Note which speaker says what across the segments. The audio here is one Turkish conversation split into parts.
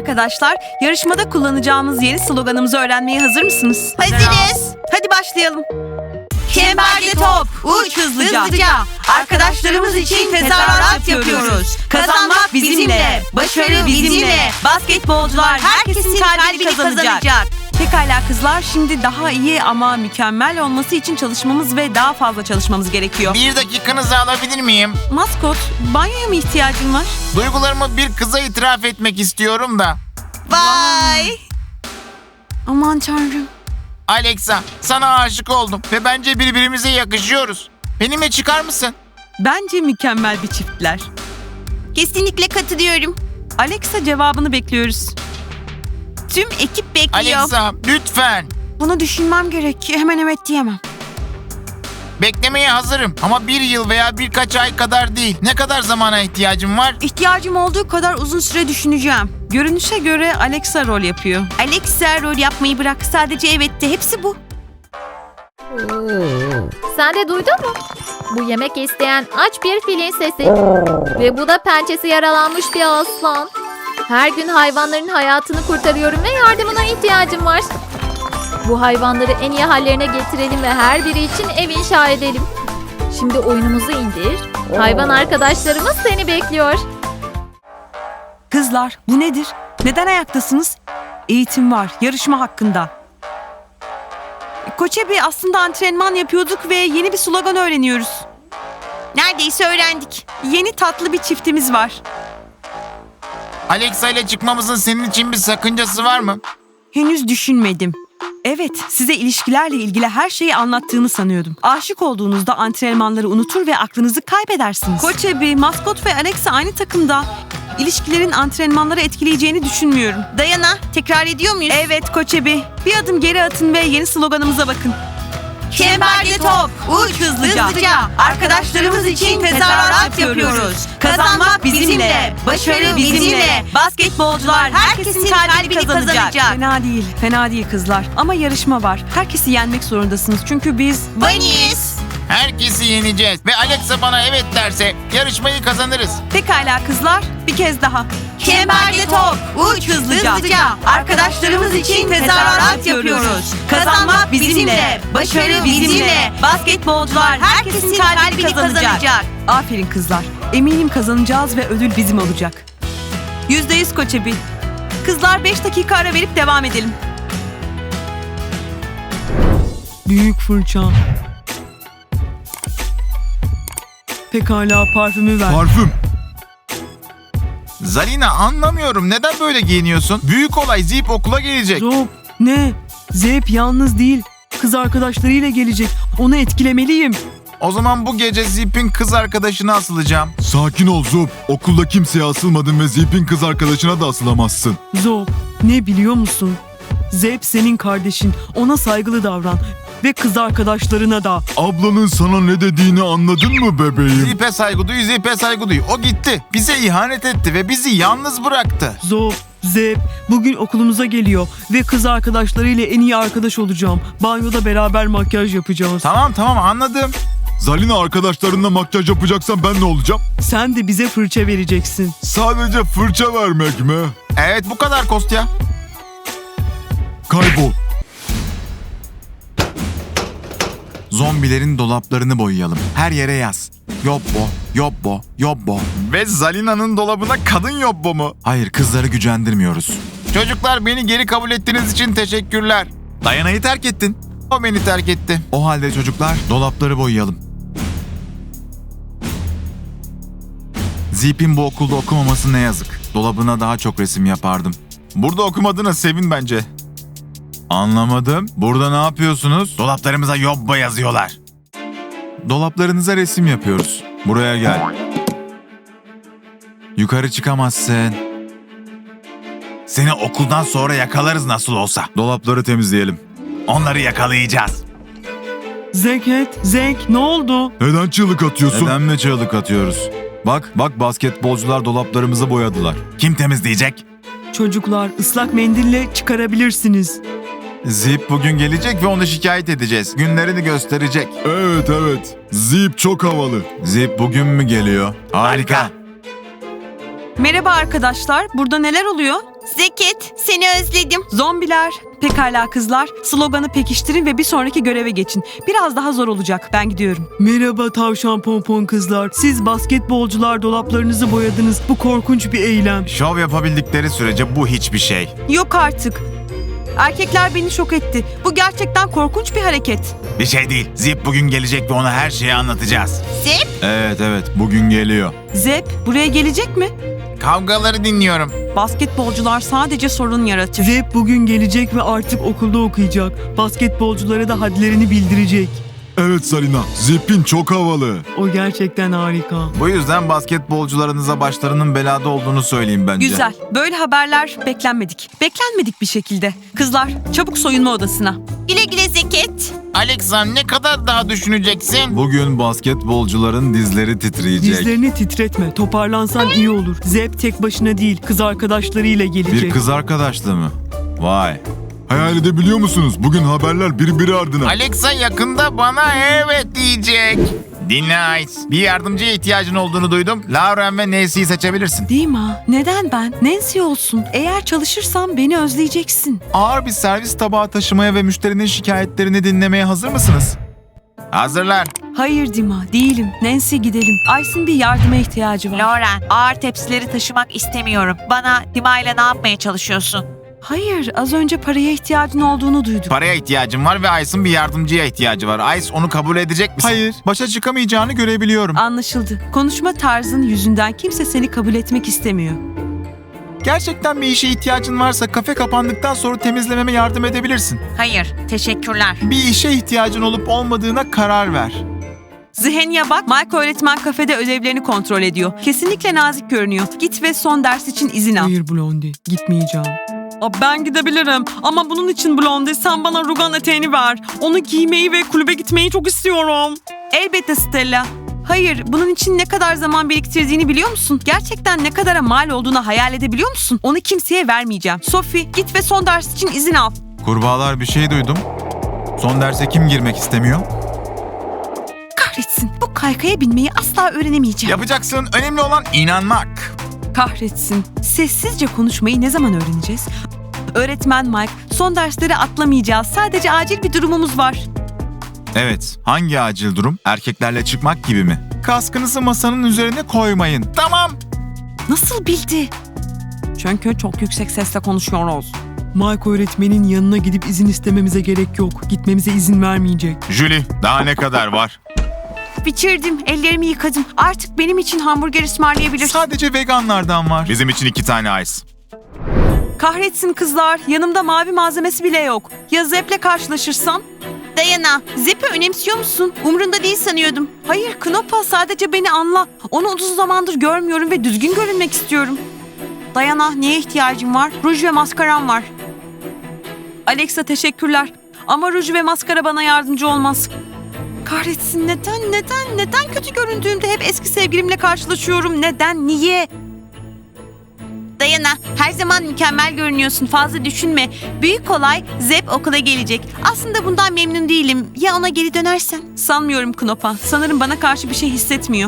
Speaker 1: arkadaşlar, yarışmada kullanacağımız yeni sloganımızı öğrenmeye hazır mısınız?
Speaker 2: Hazırız.
Speaker 1: Hadi başlayalım.
Speaker 2: Çemberde top, uç hızlıca. Arkadaşlarımız için tezahürat yapıyoruz. Kazanmak bizimle, başarı bizimle. Basketbolcular herkesin kalbini kazanacak.
Speaker 1: Pekala kızlar, şimdi daha iyi ama mükemmel olması için çalışmamız ve daha fazla çalışmamız gerekiyor.
Speaker 3: Bir dakikanızı alabilir miyim?
Speaker 1: Maskot, banyoya mı ihtiyacın var?
Speaker 3: Duygularımı bir kıza itiraf etmek istiyorum da.
Speaker 2: Vay.
Speaker 1: Aman tanrım.
Speaker 3: Alexa, sana aşık oldum ve bence birbirimize yakışıyoruz. Benimle çıkar mısın?
Speaker 1: Bence mükemmel bir çiftler.
Speaker 2: Kesinlikle katılıyorum.
Speaker 1: Alexa, cevabını bekliyoruz.
Speaker 2: Tüm ekip bekliyor.
Speaker 3: Alexa, lütfen.
Speaker 1: Bunu düşünmem gerek. Hemen evet diyemem.
Speaker 3: Beklemeye hazırım ama bir yıl veya birkaç ay kadar değil. Ne kadar zamana ihtiyacım var?
Speaker 1: İhtiyacım olduğu kadar uzun süre düşüneceğim. Görünüşe göre Alexa rol yapıyor.
Speaker 2: Alexa rol yapmayı bırak. Sadece evet de, hepsi bu.
Speaker 4: Sen de duydun mu? Bu yemek isteyen aç bir filin sesi. Ve bu da pençesi yaralanmış bir aslan. Her gün hayvanların hayatını kurtarıyorum ve yardımına ihtiyacım var. Bu hayvanları en iyi hallerine getirelim ve her biri için ev inşa edelim. Şimdi oyunumuzu indir. Hayvan arkadaşlarımız seni bekliyor.
Speaker 1: Kızlar, bu nedir? Neden ayaktasınız? Eğitim var, yarışma hakkında. Koçebi, aslında antrenman yapıyorduk ve yeni bir slogan öğreniyoruz.
Speaker 2: Neredeyse öğrendik.
Speaker 1: Yeni tatlı bir çiftimiz var.
Speaker 3: Alexa ile çıkmamızın senin için bir sakıncası var mı?
Speaker 1: Henüz düşünmedim. Evet, size ilişkilerle ilgili her şeyi anlattığımı sanıyordum. Aşık olduğunuzda antrenmanları unutur ve aklınızı kaybedersiniz. Koçebi, Maskot ve Alexa aynı takımda. İlişkilerin antrenmanları etkileyeceğini düşünmüyorum.
Speaker 2: Dayana, tekrar ediyor muyuz?
Speaker 1: Evet Koçebi, bir adım geri atın ve yeni sloganımıza bakın.
Speaker 2: Çemberde top, uç hızlıca. Arkadaşlarımız için tezahürat yapıyoruz. Kazanmak bizimle, başarı bizimle. Basketbolcular herkesin kalbini kazanacak.
Speaker 1: Fena değil kızlar. Ama yarışma var. Herkesi yenmek zorundasınız çünkü biz...
Speaker 2: Bunnies.
Speaker 3: Herkesi yeneceğiz ve Alexa bana evet derse yarışmayı kazanırız.
Speaker 1: Pekala kızlar, bir kez daha.
Speaker 2: Çemberde top, uç hızlıca. Arkadaşlarımız için tezahürat yapıyoruz. Kazanmak bizimle, başarı bizimle. Basketbolcular herkesin kalbini kazanacak.
Speaker 1: Aferin kızlar. Eminim kazanacağız ve ödül bizim olacak. %100 Koçebi. Kızlar 5 dakika ara verip devam edelim. Büyük fırça. Pekala, parfümü ver.
Speaker 5: Parfüm.
Speaker 3: Zalina, anlamıyorum, neden böyle giyiniyorsun? Büyük olay, Zip okula gelecek.
Speaker 1: Zop, ne? Zep yalnız değil. Kız arkadaşlarıyla gelecek. Onu etkilemeliyim.
Speaker 3: O zaman bu gece Zip'in kız arkadaşına asılacağım.
Speaker 5: Sakin ol Zop. Okulda kimseye asılmadın ve Zip'in kız arkadaşına da asılamazsın.
Speaker 1: Zop, ne biliyor musun? Zep senin kardeşin. Ona saygılı davran. Ve kız arkadaşlarına da.
Speaker 5: Ablanın sana ne dediğini anladın mı bebeğim?
Speaker 3: Zip'e saygı duy, Zip'e saygı duy. O gitti, bize ihanet etti ve bizi yalnız bıraktı.
Speaker 1: Zop, Zep bugün okulumuza geliyor. Ve kız arkadaşlarıyla en iyi arkadaş olacağım. Banyoda beraber makyaj yapacağız.
Speaker 3: Tamam anladım.
Speaker 5: Zalina, arkadaşlarınla makyaj yapacaksan ben ne olacağım?
Speaker 1: Sen de bize fırça vereceksin.
Speaker 5: Sadece fırça vermek mi?
Speaker 3: Evet, bu kadar Kostya.
Speaker 5: Kaybol.
Speaker 3: Zombilerin dolaplarını boyayalım. Her yere yaz. Yobbo, yobbo, yobbo. Ve Zalina'nın dolabına kadın yobbo mu? Hayır, kızları gücendirmiyoruz. Çocuklar, beni geri kabul ettiğiniz için teşekkürler. Dayana'yı terk ettin. O beni terk etti. O halde çocuklar, dolapları boyayalım. Zip'in bu okulda okumaması ne yazık. Dolabına daha çok resim yapardım. Burada okumadığına sevin bence. Anlamadım. Burada ne yapıyorsunuz? Dolaplarımıza yobbo yazıyorlar. Dolaplarınıza resim yapıyoruz. Buraya gel. Yukarı çıkamazsın. Seni okuldan sonra yakalarız nasıl olsa.
Speaker 5: Dolapları temizleyelim.
Speaker 3: Onları yakalayacağız.
Speaker 1: Zek ne oldu?
Speaker 5: Neden çığlık atıyorsun?
Speaker 3: Neden mi çığlık atıyoruz?
Speaker 5: Bak basketbolcular dolaplarımızı boyadılar.
Speaker 3: Kim temizleyecek?
Speaker 1: Çocuklar, ıslak mendille çıkarabilirsiniz.
Speaker 3: Zip bugün gelecek ve onu şikayet edeceğiz. Günlerini gösterecek.
Speaker 5: Evet. Zip çok havalı.
Speaker 3: Zip bugün mü geliyor? Harika.
Speaker 1: Merhaba arkadaşlar, burada neler oluyor?
Speaker 2: Zeket, seni özledim.
Speaker 1: Zombiler, pekala kızlar, sloganı pekiştirin ve bir sonraki göreve geçin. Biraz daha zor olacak. Ben gidiyorum. Merhaba tavşan pompon kızlar. Siz basketbolcular dolaplarınızı boyadınız. Bu korkunç bir eylem.
Speaker 3: Şov yapabildikleri sürece bu hiçbir şey.
Speaker 1: Yok artık. Erkekler beni şok etti. Bu gerçekten korkunç bir hareket.
Speaker 3: Bir şey değil. Zip bugün gelecek ve ona her şeyi anlatacağız.
Speaker 2: Zip,
Speaker 3: Evet bugün geliyor.
Speaker 1: Zep, buraya gelecek mi?
Speaker 3: Kavgaları dinliyorum.
Speaker 1: Basketbolcular sadece sorun yaratır. Zep bugün gelecek ve artık okulda okuyacak. Basketbolculara da hadlerini bildirecek.
Speaker 5: Evet Salina, Zip'in çok havalı.
Speaker 1: O gerçekten harika.
Speaker 3: Bu yüzden basketbolcularınıza başlarının belada olduğunu söyleyeyim bence.
Speaker 1: Güzel. Böyle haberler beklenmedik. Beklenmedik bir şekilde. Kızlar, çabuk soyunma odasına.
Speaker 2: güle güle Zeket.
Speaker 3: Alexa ne kadar daha düşüneceksin? Bugün basketbolcuların dizleri titreyecek.
Speaker 1: Dizlerini titretme. Toparlansan iyi olur. Zep tek başına değil, kız arkadaşlarıyla gelecek.
Speaker 3: Bir kız arkadaşlı mı? Vay.
Speaker 5: Hayal edebiliyor musunuz? Bugün haberler birbiri ardına.
Speaker 3: Alexa yakında bana evet diyecek. Dinle Ice. Bir yardımcıya ihtiyacın olduğunu duydum. Lauren ve Nancy'yi seçebilirsin.
Speaker 1: Dima, neden ben? Nancy olsun. Eğer çalışırsam beni özleyeceksin.
Speaker 3: Ağır bir servis tabağı taşımaya ve müşterinin şikayetlerini dinlemeye hazır mısınız? Hazırlar.
Speaker 1: Hayır Dima, değilim. Nancy gidelim. Ice'ın bir yardıma ihtiyacı var.
Speaker 2: Lauren, ağır tepsileri taşımak istemiyorum. Bana Dima ile ne yapmaya çalışıyorsun?
Speaker 1: Hayır, az önce paraya ihtiyacın olduğunu duydum.
Speaker 3: Paraya ihtiyacım var ve Ice'ın bir yardımcıya ihtiyacı var. Ice onu kabul edecek misin? Hayır. Başa çıkamayacağını görebiliyorum.
Speaker 1: Anlaşıldı. Konuşma tarzın yüzünden kimse seni kabul etmek istemiyor.
Speaker 3: Gerçekten bir işe ihtiyacın varsa kafe kapandıktan sonra temizlememe yardım edebilirsin.
Speaker 2: Hayır, teşekkürler.
Speaker 3: Bir işe ihtiyacın olup olmadığına karar ver.
Speaker 1: Zihenya bak, Mike öğretmen kafede ödevlerini kontrol ediyor. Kesinlikle nazik görünüyor. Git ve son ders için izin al. Hayır Blondie, gitmeyeceğim. Ben gidebilirim ama bunun için Blondie sen bana rugan eteğini ver. Onu giymeyi ve kulübe gitmeyi çok istiyorum. Elbette Stella. Hayır, bunun için ne kadar zaman biriktirdiğini biliyor musun? Gerçekten ne kadara mal olduğunu hayal edebiliyor musun? Onu kimseye vermeyeceğim. Sophie, git ve son ders için izin al.
Speaker 3: Kurbağalar bir şey duydum. Son derse kim girmek istemiyor?
Speaker 1: Kahretsin, bu kaykaya binmeyi asla öğrenemeyeceğim.
Speaker 3: Yapacaksın. Önemli olan inanmak.
Speaker 1: Kahretsin. Sessizce konuşmayı ne zaman öğreneceğiz? Öğretmen Mike, son dersleri atlamayacağız. Sadece acil bir durumumuz var.
Speaker 3: Evet. Hangi acil durum? Erkeklerle çıkmak gibi mi? Kaskınızı masanın üzerine koymayın. Tamam.
Speaker 1: Nasıl bildi? Çünkü çok yüksek sesle konuşuyoruz. Mike öğretmenin yanına gidip izin istememize gerek yok. Gitmemize izin vermeyecek.
Speaker 3: Julie, daha ne kadar var?
Speaker 1: Bitirdim, ellerimi yıkadım. Artık benim için hamburger ısmarlayabilirsin.
Speaker 3: Sadece veganlardan var. Bizim için 2 tane ice.
Speaker 1: Kahretsin kızlar, yanımda mavi malzemesi bile yok. Ya Zep'le karşılaşırsam?
Speaker 2: Dayana, Zip'i önemsiyor musun? Umrunda değil sanıyordum.
Speaker 1: Hayır Knopa, sadece beni anla. Onu uzun zamandır görmüyorum ve düzgün görünmek istiyorum. Dayana, neye ihtiyacım var? Ruj ve maskaram var. Alexa teşekkürler. Ama ruj ve maskara bana yardımcı olmaz. Kahretsin, neden kötü göründüğümde hep eski sevgilimle karşılaşıyorum? Neden, niye?
Speaker 2: Dayana, her zaman mükemmel görünüyorsun. Fazla düşünme. Büyük olay, Zep okula gelecek. Aslında bundan memnun değilim. Ya ona geri dönersen?
Speaker 1: Sanmıyorum Knopa. Sanırım bana karşı bir şey hissetmiyor.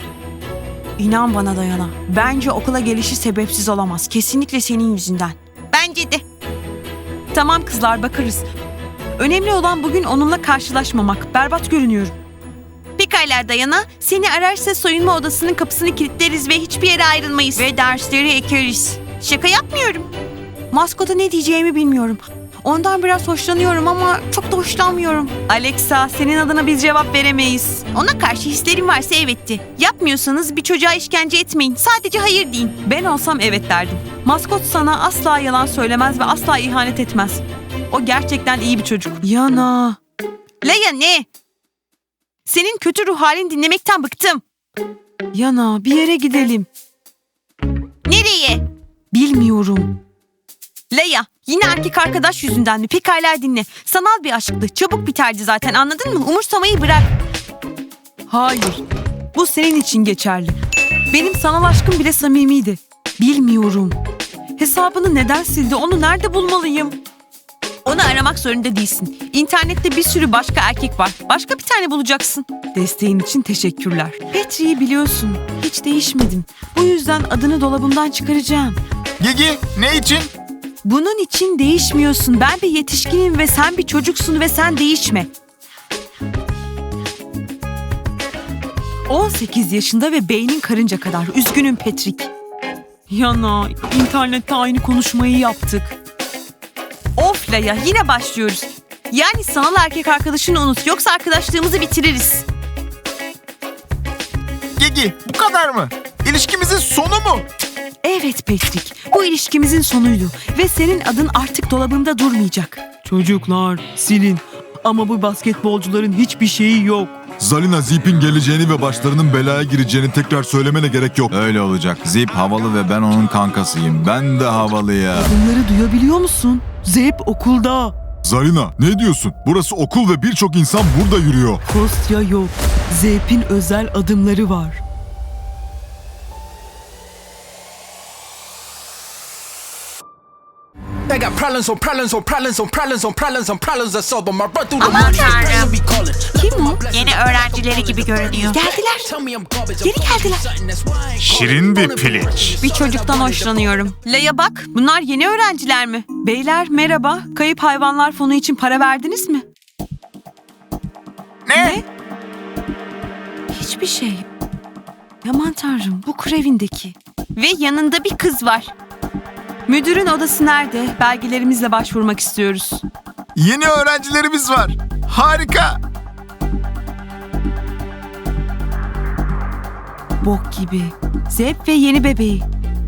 Speaker 1: İnan bana Dayana. Bence okula gelişi sebepsiz olamaz. Kesinlikle senin yüzünden.
Speaker 2: Bence de.
Speaker 1: Tamam kızlar, bakarız. Önemli olan bugün onunla karşılaşmamak. Berbat görünüyorum.
Speaker 2: Pekala Dayana, seni ararsa soyunma odasının kapısını kilitleriz ve hiçbir yere ayrılmayız. Ve dersleri ekeriz. Şaka yapmıyorum.
Speaker 1: Maskota ne diyeceğimi bilmiyorum. Ondan biraz hoşlanıyorum ama çok da hoşlanmıyorum. Alexa, senin adına biz cevap veremeyiz.
Speaker 2: Ona karşı hislerim varsa evetti. Yapmıyorsanız bir çocuğa işkence etmeyin. Sadece hayır deyin.
Speaker 1: Ben olsam evet derdim. Maskot sana asla yalan söylemez ve asla ihanet etmez. O gerçekten iyi bir çocuk. Yana.
Speaker 2: Leia ne? Senin kötü ruh halini dinlemekten bıktım.
Speaker 1: Yana, bir yere gidelim.
Speaker 2: Nereye?
Speaker 1: Bilmiyorum.
Speaker 2: Leia, yine erkek arkadaş yüzünden mi? Pekala dinle. Sanal bir aşktı. Çabuk biterdi zaten, anladın mı? Umursamayı bırak.
Speaker 1: Hayır. Bu senin için geçerli. Benim sanal aşkım bile samimiydi. Bilmiyorum. Hesabını neden sildi? Onu nerede bulmalıyım?
Speaker 2: Onu aramak zorunda değilsin. İnternette bir sürü başka erkek var. Başka bir tane bulacaksın.
Speaker 1: Desteğin için teşekkürler. Petri'yi biliyorsun. Hiç değişmedim. Bu yüzden adını dolabımdan çıkaracağım.
Speaker 3: Gigi, ne için?
Speaker 1: Bunun için değişmiyorsun. Ben bir yetişkinim ve sen bir çocuksun ve sen değişme. 18 yaşında ve beynin karınca kadar. Üzgünüm Patrick. Yana, internette aynı konuşmayı yaptık. Of Laya, yine başlıyoruz. Yani sanal erkek arkadaşını unut, yoksa arkadaşlığımızı bitiririz.
Speaker 3: Gigi, bu kadar mı? İlişkimizin sonu mu?
Speaker 1: Evet Patrick, bu ilişkimizin sonuydu ve senin adın artık dolabımda durmayacak. Çocuklar, silin. Ama bu basketbolcuların hiçbir şeyi yok.
Speaker 5: Zalina Zip'in geleceğini ve başlarının belaya gireceğini tekrar söylemene gerek yok.
Speaker 3: Öyle olacak. Zip havalı ve ben onun kankasıyım. Ben de havalıyım.
Speaker 1: Bunları duyabiliyor musun? Zep okulda.
Speaker 5: Zalina, ne diyorsun? Burası okul ve birçok insan burada yürüyor.
Speaker 1: Kostya yok. Zep'in özel adımları var.
Speaker 6: They got problems on problems on problems on problems on problems on problems I solve them. I run through the
Speaker 2: Aman
Speaker 6: money.
Speaker 2: Tanrım.
Speaker 6: Be calling.
Speaker 1: Kim o?
Speaker 2: Yeni öğrencileri gibi görünüyor.
Speaker 1: Geldiler.
Speaker 6: Tell me I'm garbage.
Speaker 1: Geri geldiler.
Speaker 3: Şirin bir piliç.
Speaker 1: Bir çocuktan hoşlanıyorum. Leya bak, bunlar yeni öğrenciler mi? Beyler merhaba. Kayıp hayvanlar fonu için para verdiniz mi?
Speaker 3: Ne?
Speaker 1: Hiçbir şey. Aman tanrım, bu Krevin'deki.
Speaker 2: Ve yanında bir kız var.
Speaker 1: Müdürün odası nerede? Belgelerimizle başvurmak istiyoruz.
Speaker 3: Yeni öğrencilerimiz var. Harika.
Speaker 1: Bok gibi. Zep ve yeni bebeği.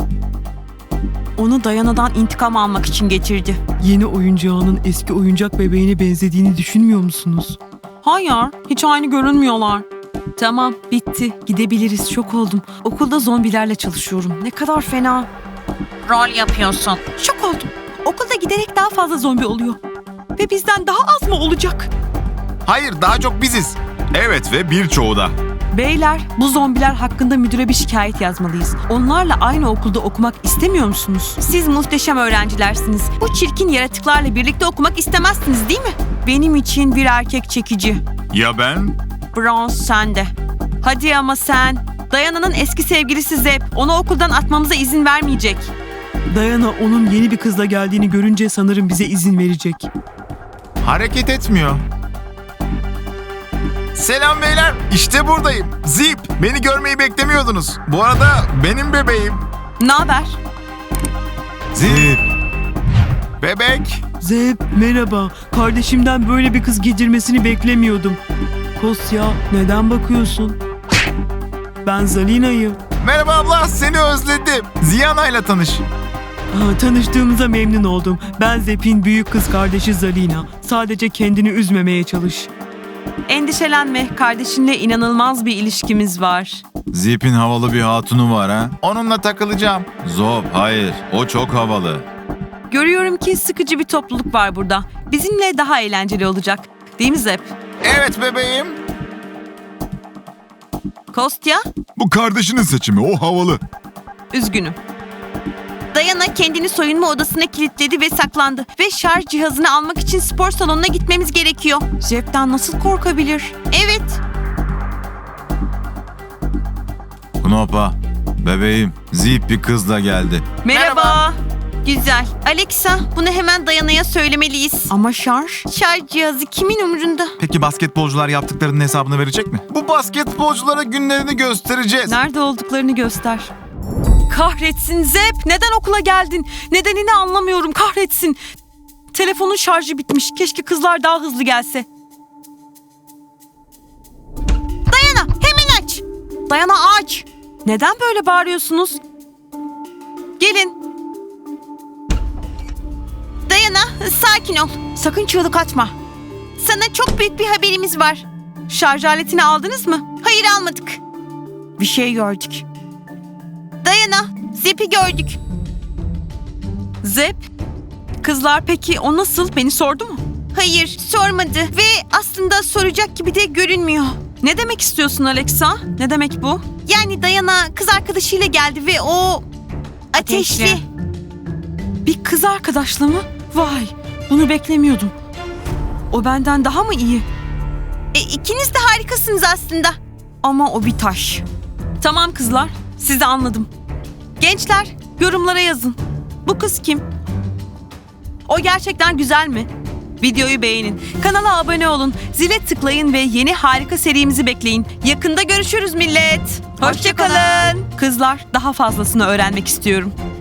Speaker 1: Onu Dayana'dan intikam almak için getirdi. Yeni oyuncağının eski oyuncak bebeğine benzediğini düşünmüyor musunuz? Hayır, hiç aynı görünmüyorlar. Tamam, bitti. Gidebiliriz. Şok oldum. Okulda zombilerle çalışıyorum. Ne kadar fena.
Speaker 2: Rol yapıyorsun.
Speaker 1: Şok oldum. Okulda giderek daha fazla zombi oluyor. Ve bizden daha az mı olacak?
Speaker 3: Hayır, daha çok biziz. Evet ve birçoğu da.
Speaker 1: Beyler, bu zombiler hakkında müdüre bir şikayet yazmalıyız. Onlarla aynı okulda okumak istemiyor musunuz? Siz muhteşem öğrencilersiniz. Bu çirkin yaratıklarla birlikte okumak istemezsiniz değil mi? Benim için bir erkek çekici.
Speaker 3: Ya ben?
Speaker 1: Bronze sende. Hadi ama sen. Dayana'nın eski sevgilisi Zep. Onu okuldan atmamıza izin vermeyecek. Dayana onun yeni bir kızla geldiğini görünce sanırım bize izin verecek.
Speaker 3: Hareket etmiyor. Selam beyler. İşte buradayım. Zip. Beni görmeyi beklemiyordunuz. Bu arada benim bebeğim.
Speaker 1: Ne haber?
Speaker 3: Zip. Bebek.
Speaker 1: Zep, merhaba. Kardeşimden böyle bir kız getirmesini beklemiyordum. Kosya, neden bakıyorsun? Ben Zalina'yım.
Speaker 3: Merhaba abla. Seni özledim. Ziyana'yla tanış.
Speaker 1: Tanıştığımıza memnun oldum. Ben Zep'in büyük kız kardeşi Zalina. Sadece kendini üzmemeye çalış. Endişelenme. Kardeşinle inanılmaz bir ilişkimiz var.
Speaker 3: Zip'in havalı bir hatunu var ha. Onunla takılacağım. Zop, hayır. O çok havalı.
Speaker 1: Görüyorum ki sıkıcı bir topluluk var burada. Bizimle daha eğlenceli olacak. Değil mi Zep?
Speaker 3: Evet bebeğim.
Speaker 1: Kostya,
Speaker 5: Bu kardeşinin seçimi, o havalı.
Speaker 1: üzgünüm.
Speaker 2: Dayana kendini soyunma odasına kilitledi ve saklandı. Ve şarj cihazını almak için spor salonuna gitmemiz gerekiyor.
Speaker 1: Zep'ten nasıl korkabilir?
Speaker 2: Evet.
Speaker 3: Knopa, bebeğim. Zip bir kızla geldi.
Speaker 1: Merhaba.
Speaker 2: Güzel. Alexa, bunu hemen Dayana'ya söylemeliyiz.
Speaker 1: Ama şarj?
Speaker 2: Şarj cihazı kimin umurunda?
Speaker 3: Peki basketbolcular yaptıklarının hesabını verecek mi? Bu basketbolculara günlerini göstereceğiz.
Speaker 1: Nerede olduklarını göster. Kahretsin Zep. Neden okula geldin? Nedenini anlamıyorum. Kahretsin. Telefonun şarjı bitmiş. Keşke kızlar daha hızlı gelse.
Speaker 2: Dayana, hemen aç.
Speaker 1: Dayana aç. Neden böyle bağırıyorsunuz? Gelin.
Speaker 2: Dayana, sakin ol.
Speaker 1: Sakın çığlık atma.
Speaker 2: Sana çok büyük bir haberimiz var.
Speaker 1: Şarj aletini aldınız mı?
Speaker 2: Hayır, almadık.
Speaker 1: Bir şey gördük.
Speaker 2: Dayana, Zep'i gördük.
Speaker 1: Zep. Kızlar peki o nasıl? Beni sordu mu?
Speaker 2: Hayır, sormadı ve aslında soracak gibi de görünmüyor.
Speaker 1: Ne demek istiyorsun Alexa? Ne demek bu?
Speaker 2: Yani Dayana kız arkadaşıyla geldi ve o ateşli.
Speaker 1: Bir kız arkadaşla mı? Vay, bunu beklemiyordum. O benden daha mı iyi?
Speaker 2: İkiniz de harikasınız aslında.
Speaker 1: Ama o bir taş. Tamam kızlar, sizi anladım. Gençler, yorumlara yazın. Bu kız kim? O gerçekten güzel mi? Videoyu beğenin, kanala abone olun, zile tıklayın ve yeni harika serimizi bekleyin. Yakında görüşürüz millet. Hoşça kalın. Kızlar, daha fazlasını öğrenmek istiyorum.